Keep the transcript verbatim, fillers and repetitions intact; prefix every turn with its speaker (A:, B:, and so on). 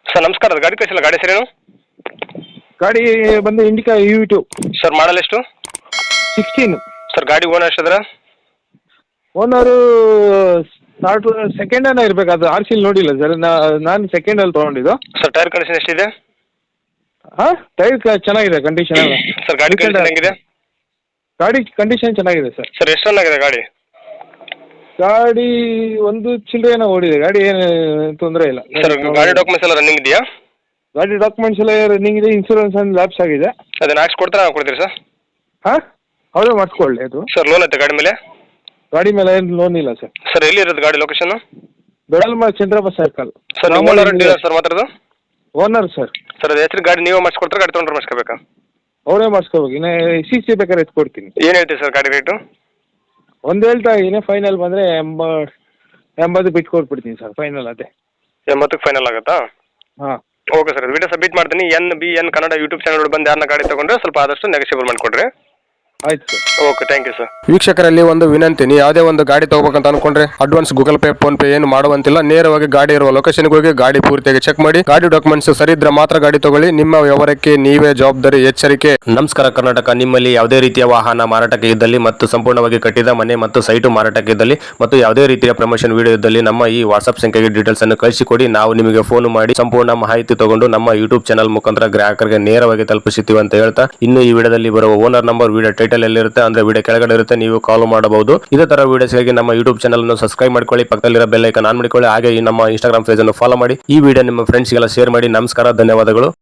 A: Sir ನಮಸ್ಕಾರ, ಗಾಡಿ ಕಳಿಸಿಲ್ಲ, ಗಾಡಿ ಹೆಸರೇನು?
B: ಗಾಡಿ ಬಂದು Indica U two
A: sir model ಎಷ್ಟು?
B: ಸಿಕ್ಸ್ಟೀನ್.
A: ಸರ್ ಗಾಡಿ ಓನರ್ ಎಷ್ಟಿದ್ರೆ?
B: ಓನರು ಸ್ಟಾರ್ಟ್ ಸೆಕೆಂಡ್ ಹ್ಯಾಂಡ್ ಇರಬೇಕು, ಅದು ಆರ್ ಸಿಲ್ ನೋಡಿಲ್ಲ ಸರ್. ನಾನು ಸೆಕೆಂಡ್ ಅಲ್ಲಿ ತೊಗೊಂಡಿದ್ದು.
A: ಸರ್ ಟೈರ್ ಕಂಡೀಷನ್ ಎಷ್ಟಿದೆ?
B: ಹಾಂ, ಟೈರ್ ಚೆನ್ನಾಗಿದೆ ಕಂಡೀಷನ್ ಎಲ್ಲ.
A: ಸರ್ ಗಾಡಿ ಕಂಡೀಷನ್ ಹೆಂಗಿದೆ?
B: ಗಾಡಿ ಕಂಡೀಷನ್ ಚೆನ್ನಾಗಿದೆ ಸರ್.
A: ಸರ್ ಎಷ್ಟು ರನ್ ಆಗಿದೆ ಗಾಡಿ?
B: ಗಾಡಿ ಒಂದು ಚಿಲ್ಲರೆನ ಓಡಿದೆ, ಗಾಡಿ ಏನು ತೊಂದರೆ ಇಲ್ಲ
A: ಸರ್. ಗಾಡಿ ಡಾಕ್ಯುಮೆಂಟ್ಸ್ ಎಲ್ಲ ರನ್ನಿಂಗ್ ಇದೆಯಾ?
B: ಗಾಡಿ ಡಾಕ್ಯುಮೆಂಟ್ಸ್ ಎಲ್ಲ ರನ್ನಿಂಗ್ ಇದೆ, ಇನ್ಶೂರೆನ್ಸ್ ಒಂದು ಲ್ಯಾಪ್ಸ್ ಆಗಿದೆ.
A: ಅದನ್ನ ಹಾಕ್ಸಿ ಕೊಡ್ತಾರೆ, ನಾವು ಕೊಡ್ತೀರಿ ಸರ್?
B: ಹಾಂ, ಅವರೇ ಮಾಡಿಸ್ಕೊಳ್ಳಿ ಅದು.
A: ಸರ್ ಲೋನ್ ಐತೆ ಗಾಡಿ ಮೇಲೆ?
B: ಗಾಡಿ ಮೇಲೆ ಏನು ಲೋನ್ ಇಲ್ಲ ಸರ್.
A: ಸರ್ ಎಲ್ಲಿ ಇರೋದು ಗಾಡಿ ಲೊಕೇಶನ್?
B: ಬೆಳಲ್ಮ ಚಂದ್ರಪ್ಪ ಸರ್ಕಲ್.
A: ಸರ್ ನೀವು ಓನರ್ ಡೀಲರ್ ಸರ್ ಮಾತಾಡೋದು?
B: Owner sir.
A: ಸರ್ ಅದು ಹೆಸರು ಗಾಡಿ ನೀವೇ ಮಾಡಿಸ್ಕೊಡ್ತಾರೆ, ಗಾಡಿ ತೊಗೊಂಡ್ರೆ ಮಾಡಿಸ್ಕೋಬೇಕಾ?
B: ಅವರೇ ಮಾಡಿಸ್ಕೋಬೇಕು. ಇನ್ನು ಸಿ ಸಿ ಬೇಕಾದ್ರೆ ಎತ್ತು ಕೊಡ್ತೀನಿ.
A: ಏನು ಹೇಳ್ತೀವಿ ಸರ್ ಗಾಡಿ ರೇಟು?
B: ಒಂದು ಹೇಳ್ತಾ ಇದ್ದೀನಿ, ಫೈನಲ್ ಬಂದರೆ ಎಂಬ ಎಂಬತ್ತು ಬಿಟ್ಟು ಕೊಟ್ಬಿಡ್ತೀನಿ ಸರ್, ಫೈನಲ್ ಅದೇ.
A: ಎಂಬತ್ತಕ್ಕೆ ಫೈನಲ್ ಆಗುತ್ತಾ?
B: ಹಾಂ,
A: ಓಕೆ ಸರ್. ವಿಡಿಯೋ ಸಬ್ಮಿಟ್ ಮಾಡ್ತೀನಿ. N B N Kannada YouTube channel ಬಂದು ಯಾರನ್ನ ಗಾಡಿ ತೊಗೊಂಡ್ರೆ ಸ್ವಲ್ಪ ಆದಷ್ಟು ನೆಗೋಷಿಯಬಲ್ ಮಾಡಿಕೊಡ್ರಿ.
B: ಆಯ್ತು sir.
A: Okay, thank you sir.
C: ವೀಕ್ಷಕರಲ್ಲಿ ಒಂದು ವಿನಂತಿ, ನೀವು ಯಾವುದೇ ಒಂದು ಗಾಡಿ ತಗೋಬೇಕಂತ ಅನ್ಕೊಂಡ್ರೆ advance Google Pay PhonePe ಏನು ಮಾಡುವಂತಿಲ್ಲ. ನೇರವಾಗಿ ಗಾಡಿ ಇರುವ ಲೊಕೇಶನ್ಗೆ ಹೋಗಿ ಗಾಡಿ ಪೂರ್ತಿಯಾಗಿ ಚೆಕ್ ಮಾಡಿ, ಗಾಡಿ ಡಾಕ್ಯುಮೆಂಟ್ಸ್ ಸರಿ ಇದ್ರೆ ಮಾತ್ರ ಗಾಡಿ ತಗೊಳ್ಳಿ. ನಿಮ್ಮ ವ್ಯವಹಾರಕ್ಕೆ ನೀವೇ ಜವಾಬ್ದಾರಿ. ಎಚ್ಚರಿಕೆ. ನಮಸ್ಕಾರ ಕರ್ನಾಟಕ. ನಿಮ್ಮಲ್ಲಿ ಯಾವುದೇ ರೀತಿಯ ವಾಹನ ಮಾರಾಟಕ್ಕೆ ಇದ್ದಲ್ಲಿ ಮತ್ತು ಸಂಪೂರ್ಣವಾಗಿ ಕಟ್ಟಿದ ಮನೆ ಮತ್ತು ಸೈಟು ಮಾರಾಟಕ್ಕೆ ಇದ್ದಲ್ಲಿ ಮತ್ತು ಯಾವುದೇ ರೀತಿಯ ಪ್ರಮೋಷನ್ ವಿಡಿಯೋ ಇದ್ದಲ್ಲಿ ನಮ್ಮ ಈ ವಾಟ್ಸ್ಆಪ್ ಸಂಖ್ಯೆಗೆ ಡೀಟೇಲ್ಸ್ ಅನ್ನು ಕಳಿಸಿಕೊಡಿ. ನಾವು ನಿಮಗೆ ಫೋನ್ ಮಾಡಿ ಸಂಪೂರ್ಣ ಮಾಹಿತಿ ತಗೊಂಡು ನಮ್ಮ ಯೂಟ್ಯೂಬ್ ಚಾನಲ್ ಮುಖಾಂತರ ಗ್ರಾಹಕರಿಗೆ ನೇರವಾಗಿ ತಲುಪಿಸುತ್ತೀವಿ ಅಂತ ಹೇಳ್ತಾ, ಇನ್ನು ಈ ವಿಡಿಯೋದಲ್ಲಿ ಬರುವ ಓನರ್ ನಂಬರ್ ವಿಡಿಯೋ ಟೈಟಲ್ ಎಲ್ಲಿರುತ್ತೆ ಅಂದ್ರೆ ವಿಡಿಯೋ ಕೆಳಗಡೆ ಇರುತ್ತೆ, ನೀವು ಕಾಲ್ ಮಾಡಬಹುದು. ಇದೇ ತರ ವಿಡಿಯೋಸ್ಗಾಗಿ ನಮ್ಮ ಯೂಟ್ಯೂಬ್ ಚಾನಲ್ ಅನ್ನು ಸಬ್ಸ್ಕ್ರೈಬ್ ಮಾಡ್ಕೊಳ್ಳಿ, ಪಕ್ಕದಲ್ಲಿರೋ ಬೆಲ್ ಐಕಾನ್ ಆನ್ ಮಾಡಿಕೊಳ್ಳಿ. ಹಾಗೆ ಈ ನಮ್ಮ ಇನ್ಸ್ಟಾಗ್ರಾಮ್ ಪೇಜ್ ಅನ್ನು ಫಾಲೋ ಮಾಡಿ. ಈ ವಿಡಿಯೋ ನಿಮ್ಮ ಫ್ರೆಂಡ್ಸ್ಗೆಲ್ಲ ಶೇರ್ ಮಾಡಿ. ನಮಸ್ಕಾರ, ಧನ್ಯವಾದಗಳು.